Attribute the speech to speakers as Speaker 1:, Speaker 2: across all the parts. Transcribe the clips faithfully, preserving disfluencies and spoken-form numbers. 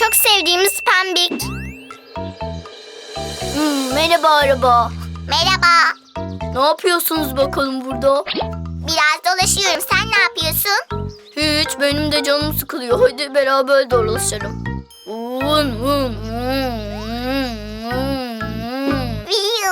Speaker 1: çok sevdiğimiz Pembik.
Speaker 2: Hmm, merhaba araba.
Speaker 1: Merhaba.
Speaker 2: Ne yapıyorsunuz bakalım burada?
Speaker 1: Biraz dolaşıyorum. Sen ne yapıyorsun?
Speaker 2: Hiç, benim de canım sıkılıyor. Hadi beraber dolaşalım. Vın vın vın vın vın.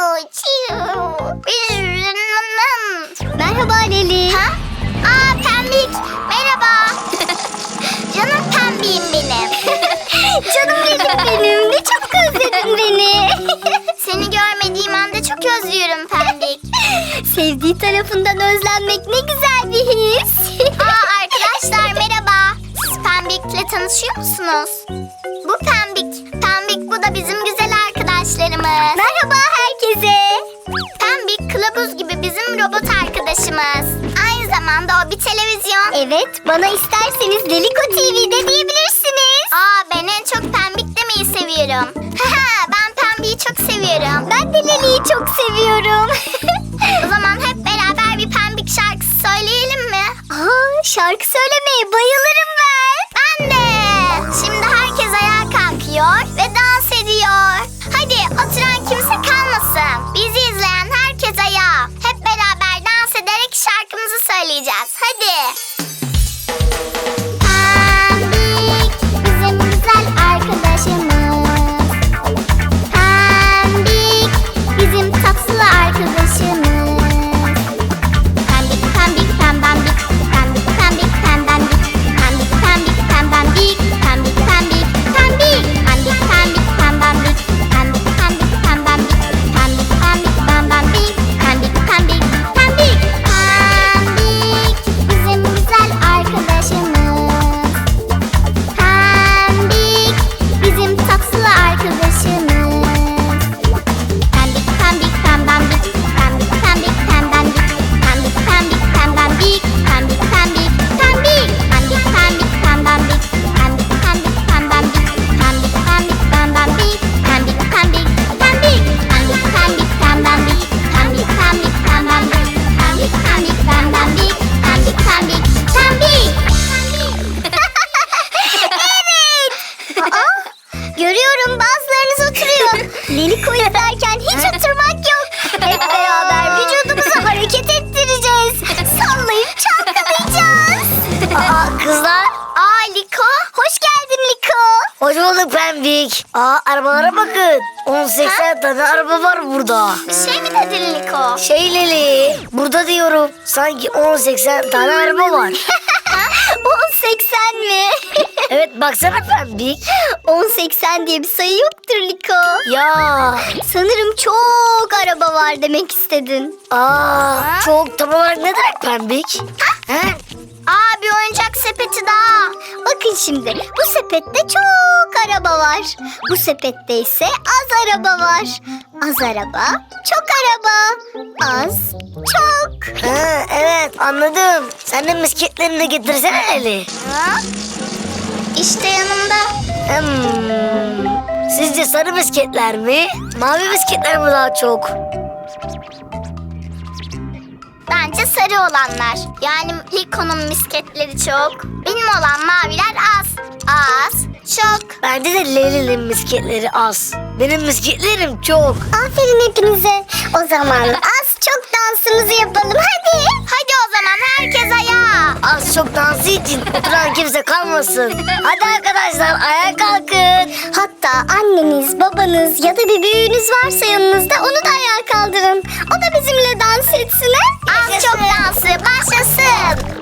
Speaker 1: Merhaba Leli. Ha? Aa Pembik. Merhaba. Canım Pembiğim benim. Canım Leli benim. Ne çabuk özledin beni. Seni görmediğim anda çok özlüyorum Pembik. Sevdiği tarafından özlenmek ne güzel bir his. Aa arkadaşlar merhaba. Siz Pembik'le tanışıyor musunuz? Bu Pembik. Pembik bu da bizim güzel arkadaşlarımız. Merhaba herkese. Pembik kılavuz gibi bizim robot arkadaşımız. Aynı zamanda o bir televizyon. Evet, bana isterseniz Leliko T V'de diyebilirsiniz. Aa ben en çok Pembik demeyi seviyorum. Haha ben Pembik'i çok seviyorum. Ben de Leli'yi çok seviyorum. O zaman hep beraber bir Pembik şarkısı söyleyelim mi? Aa şarkı söylemeye bayılırım ben. Ben de. Şimdi herkes ayağa kalkıyor ve dans ediyor. Hadi oturan kimse kalmasın. Bizi izleyen herkes ayağa. Hep beraber dans ederek şarkımızı söyleyeceğiz. Hadi. Pembik bizim güzel arkadaşımız. Pembik bizim tatlı arkadaşımız. Pembik pembik pembembik. Pembik pembik pembembik. Pembik pembik pembembik. Pembik pembik pembik. Pembik pembik pembembik. Pembik pembik pembembik. Pembik pembik pembembik. Pembik pembik pembik. Pembik bizim güzel arkadaşımız. Pembik bizim tatlı arkadaşımız. Pembik pembik pembembik. Pembik pembik pembembik. Pembik pembik pembembik. Pembik pembik pembik. Pembik pembik pembembik. Pembik pembik pembembik. Pembik pembik pembembik. Pembik pembik pembik. Pembik pembik pembembik. Pembik pembik pembembik. Pembik pembik pembembik. Pembik pembik pembik. Evet. Aa, görüyorum bazılarınız oturuyor. Leliko izlerken hiç oturmak yok. Hep beraber vücudumuzu hareket ettireceğiz. Sallayıp çalkalayacağız.
Speaker 3: Aa kızlar,
Speaker 1: Aa Liko, hoş geldin Liko.
Speaker 3: hoş bulduk Pembik. Aa arabalara bakın. on seksen tane araba var burada.
Speaker 1: Bir şey mi dedin Liko?
Speaker 3: Şey Leli, burada diyorum. Sanki on seksen tane araba var.
Speaker 1: on seksen mi?
Speaker 3: Evet baksana Pembik.
Speaker 1: on seksen diye bir sayı yoktur Liko.
Speaker 3: Ya,
Speaker 1: Sanırım çok araba var demek istedin.
Speaker 3: aa çok tam olarak ne demek Pembik? He?
Speaker 1: Aa bir oyuncak sepeti daha. Bakın şimdi bu sepette çok araba var. Bu sepette ise az araba var. Az araba, çok araba. Az, çok.
Speaker 3: Ha, evet anladım. Sen de misketlerini de getirsene Leli.
Speaker 1: Ha? İşte yanımda.
Speaker 3: Hmm. Sizce sarı misketler mi? Mavi misketler mi daha çok?
Speaker 1: Bence sarı olanlar. Yani Liko'nun misketleri çok. Benim olan maviler az. Az, çok.
Speaker 3: Bence de Leli'nin misketleri az. Benim misketlerim çok.
Speaker 1: Aferin hepinize. O zaman az çok dansımızı yapalım hadi. Hadi o zaman herkes ayağa.
Speaker 3: Az çok dansı için oturan kimse kalmasın. Hadi arkadaşlar ayağa kalkın.
Speaker 1: Hatta anneniz, babanız ya da bir büyüğünüz varsa yanınızda onu da ayağa kaldırın. O da bizimle dans etsin ha? Az çok dansı başlasın.